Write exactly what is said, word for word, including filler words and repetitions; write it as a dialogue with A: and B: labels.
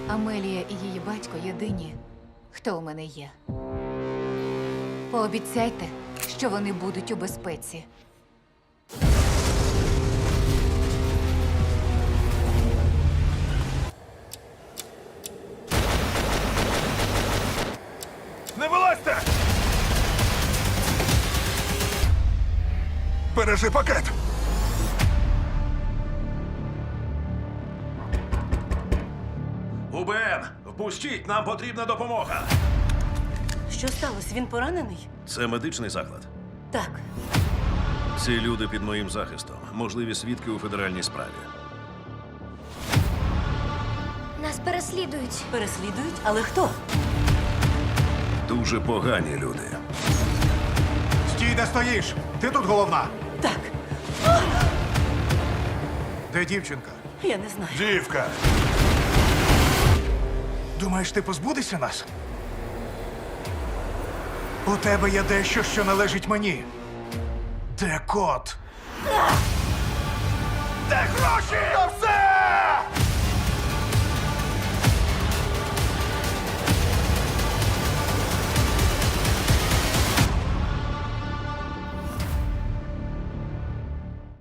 A: Амелія і її батько єдині, хто у мене є. Пообіцяйте, що вони будуть у безпеці.
B: Не вилазьте! Бережи пакет!
C: УБН, впустіть, нам потрібна допомога.
D: Що сталося? Він поранений?
C: Це медичний заклад.
D: Так.
C: Ці люди під моїм захистом. Можливі свідки у федеральній справі.
E: Нас переслідують.
D: Переслідують? Але хто?
C: Дуже погані люди.
B: Стій, де стоїш! Ти тут головна!
D: Так,
B: Де дівчинка?
D: я не знаю.
B: Дівка! Думаєш, ти позбудешся нас? У тебе є дещо, що належить мені. Де кот? Де гроші? Та все!